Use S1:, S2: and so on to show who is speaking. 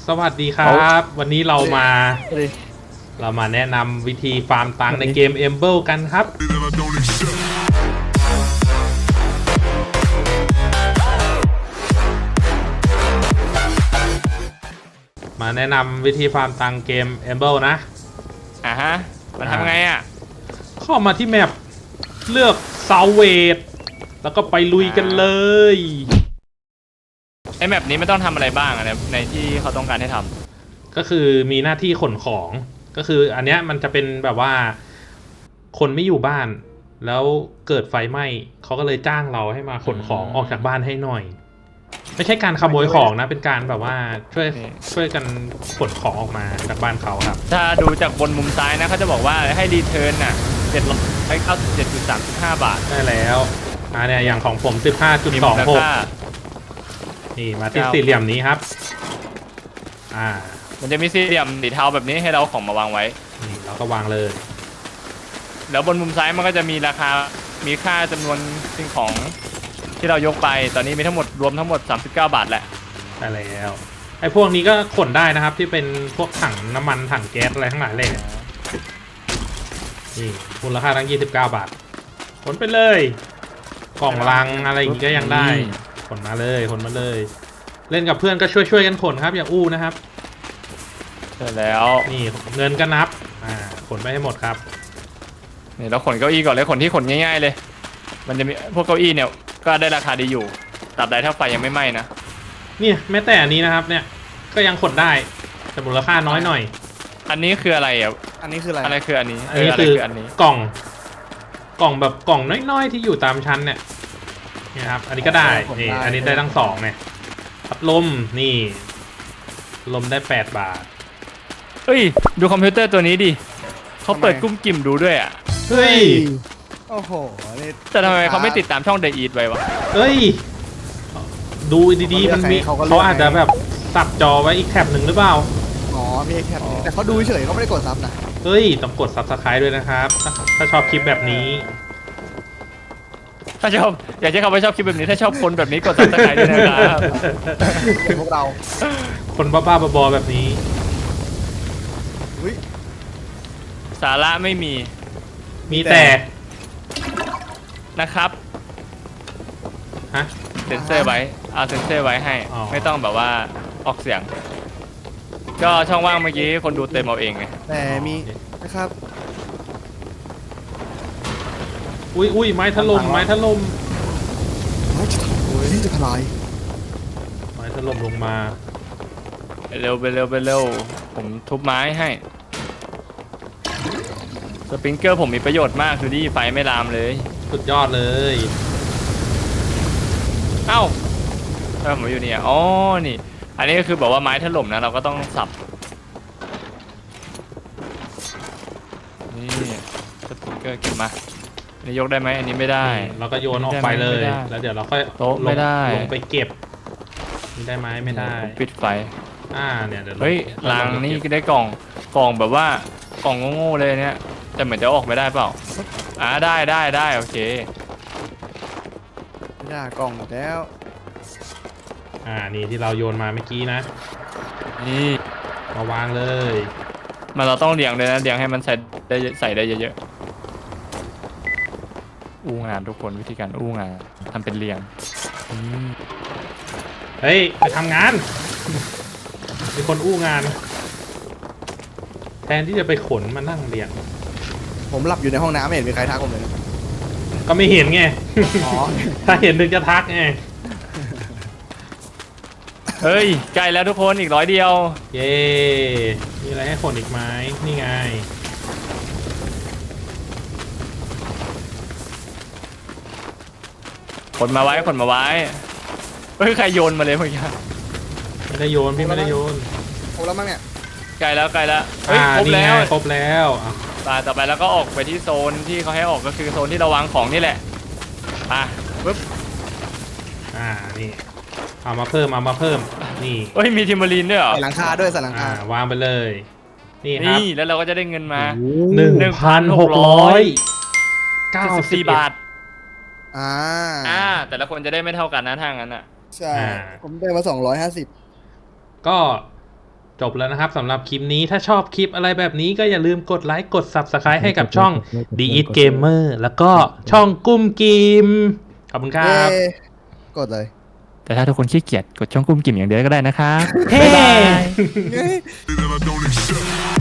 S1: สวัสดีครับ วันนี้เรามา
S2: เลย
S1: แนะนำวิธีฟาร์มตังค์ในเกม Emble กันครับ มาแนะนำวิธีฟาร์มตังค์เกม Emble นะ
S2: ฮะมันทำไงอ่ะ
S1: เข้ามาที่แมปเลือกเซาเวดแล้วก็ไปลุยกันเลย
S2: ไอแมปนี้ไม่ต้องทำอะไรบ้างอะในที่เขาต้องการให้ทำ
S1: ก็คือมีหน้าที่ขนของก็คืออันเนี้ยมันจะเป็นแบบว่าคนไม่อยู่บ้านแล้วเกิดไฟไหม้เขาก็เลยจ้างเราให้มาขนของออกจากบ้านให้หน่อย ไม่ใช่การขโมยของนะเป็นการแบบว่าช่วยกันขนของออกมาจากบ้านเขาครับ
S2: ถ้าดูจากบนมุมซ้ายนะเขาจะบอกว่าให้รีเทิร์นน่ะ797.35 บาท
S1: ได้แล้วเนี่ยอย่างของผม
S2: มีมูลค่า
S1: 15.26 นี่มาที่สี่เหลี่ยมนี้ครับ
S2: มันจะมีสี่เหลี่ยมสีเทาแบบนี้ให้เราของมาวางไว้
S1: นี่เราก็วางเลย
S2: แล้วบนมุมซ้ายมันก็จะมีราคา มีค่าจำนวนสิ่งของที่เรายกไป ตอนนี้มีทั้งหมดรวมทั้งหมด39 บาทแหละ
S1: ได้แล้วไอ้พวกนี้ก็ขนได้นะครับที่เป็นพวกถังน้ำมันถังแก๊สอะไรทั้งหลายเลยนี่มูลค่าทั้ง29 บาทขนไปเลยกล่องลังอะไรอย่างงี้ก็ยังได้ขนมาเลยขนมาเลย เล่นกับเพื่อนก็ช่วยกันขนครับอย่าอู้นะครับ
S2: เสร็จแล้ว
S1: นี่เงินก็นับขนไปให้หมดครับ
S2: นี่เราขนเก้าอี้ก่อนเลยขนที่ขนง่ายๆเลย มันจะมีพวกเก้าอี้เนี่ยก็ได้ราคาดีอยู่ตราบใดถ้าไฟยังไม่ไหม้นะ
S1: เนี่ยแม้แต่อันนี้นะครับเนี่ยก็ยังขนได้แต่มูลค่าน้อยหน่อย
S2: อันนี้คืออะไรอ่ะ
S3: อันนี้คืออะไร
S2: อะไรคืออันนี้
S1: อันนี้
S2: อะไร
S1: คือ
S2: อันนี้
S1: กล่องแบบกล่องน้อยๆที่อยู่ตามชั้นเนี่ยครับอันนี้ก็ได้นี่อันนี้ได้ทั้งสองเนี่ยพัดลมนี่ลมได้8 บาท
S2: เฮ้ยดูคอมพิวเตอร์ตัวนี้ดิเขาเปิดกุ้มกิ่มดูด้วยอ่ะ
S1: เฮ้ย
S3: โอ้โหนี่
S2: แต่ทำไมเขาไม่ติดตามช่อง The Eat ไว้วะ
S1: เฮ้ยดูดีๆมันมีเขาอาจจะแบบสับจอไว้อีกแท็บหนึ่งหรือเปล่า
S3: อ๋อมีแคปนี้แต่เขาดูเฉยเขาไม่ได้กดซับนะ
S1: เฮ้ยต้องกด Subscribe ด้วยนะครับถ้าชอบคลิปแบบนี้
S2: ถ้าชอบอยากให้เขาไปชอบคลิปแบบนี้ถ้าชอบคนแบบนี้กด Subscribe ด้วยนะครับ
S3: เป็นพวกเรา
S1: คนบ้าๆบอๆแบบนี้
S3: อุ้ย
S2: สาระไม่มี
S1: มีแต่
S2: นะครับ
S1: ฮะ
S2: เซ็นเซอร์ไว้เอาเซ็นเซอร์ไว้ให้
S1: อ๋อ
S2: ไม่ต้องแบบว่าออกเสียง ก็ช่องว่างเมื่อกี้คนดูเต็มเอาเองไง
S3: แต่มีนะครับ
S1: อุ้ยไม้ถล่มไม้ถล่ม
S3: นี่จะทลาย
S1: ไม้ถล่มลงมา
S2: ไปเร็วไปเร็วไปเร็วผมทุบไม้ให้สปริงเกอร์ผมมีประโยชน์มากดูดิไฟไม่ลามเลย
S1: สุดยอดเลย
S2: เอ้าทำไมผมอยู่เนี่ยอ๋อนี่ อันนี้ก็คือบอกว่าไม้ถล่มนะเราก็ต้องสับนี่สปริงเกอร์เก็บมาอันนี้ยกได้ไหมอันนี้ไม่ได้
S1: เราก็โยนออกไปเลย
S2: ไม่ได้
S1: แล้วเดี๋ยวเราค่อย
S2: โต๊ะไม่ได้
S1: ลงไปเก็บนี่ได้ไหมไม่ได้
S2: ผมปิดไฟ
S1: เนี่ยเดี๋ยว
S2: เฮ้ยลังนี่ก็ได้กล่องแบบว่ากล่องโง่ๆเลยเนี่ยแต่เหมือนจะออกไม่ได้เปล่าได้โอเค
S3: ไม่ได้กล่องหมดแล้ว
S1: นี่ที่เราโยนมาเมื่อกี้นะ
S2: นี่
S1: มาวางเลย
S2: มันเราต้องเรียงเลยนะเรียงให้มันใส่ได้เยอะๆอู้งานทุกคนวิธีการอู้งานทำเป็นเรียง
S1: เฮ้ยไปทำงาน มีคนอู้งาน แทนที่จะไปขนมานั่งเรียง
S3: ผมหลับอยู่ในห้องน้ำไม่เห็นมีใครทักผมเลยนะ
S1: ก็ไม่เห็นไง
S3: อ๋อ
S1: ถ้าเห็นถึงจะทักไง
S2: เฮ้ยใกล้แล้วทุกคนอีก100 เดียว
S1: เย้ มีอะไรให้ขนอีกไหมนี่ไง
S2: ขนมาไว้เฮ้ยใครโยนมาเลยเมื่อกี้
S1: ไม่ได้โยนพี่ไม่ได้โยน
S3: ครบแล้วมั้งเนี่ย
S2: ใกล้แล้วเฮ้ยครบ
S1: นี่
S2: แล้
S1: ไง
S2: ว
S1: ครบแล้ว
S2: ต่อไปแล้วก็ออกไปที่โซนที่เขาให้ออกก็คือโซนที่เราวางของนี่แหละปึ๊บ
S1: นี่เอามาเพิ่มนี่
S2: เฮ้ยมีทิมเบอรีนด้วยเหรอ
S3: ใส่หลังคาด้วยใส่หลังคาว
S1: างไปเลย นี่ครับ
S2: นี่แล้วเราก็จะได้เงินมา
S1: 1,694
S2: บาท
S3: อ่า
S2: แต่ละคนจะได้ไม่เท่ากันนะทางนั้นอ่ะ
S3: ใช่ผมได้มา250
S1: ก็จบแล้วนะครับสำหรับคลิปนี้ถ้าชอบคลิปอะไรแบบนี้ก็อย่าลืมกดไลค์กด Subscribe ให้กับช่อง The Eat Gamer แล้วก็ช่องกุ้มกิมขอบคุณครับ
S3: เย้กดเลย
S2: แต่ถ้าทุกคนขี้เกียจกดช่องกุ้มกิ่มอย่างเดียวก็ได้นะครับ
S1: เฮ้
S2: บ๊ายบาย
S3: เย้
S4: that I don't accept.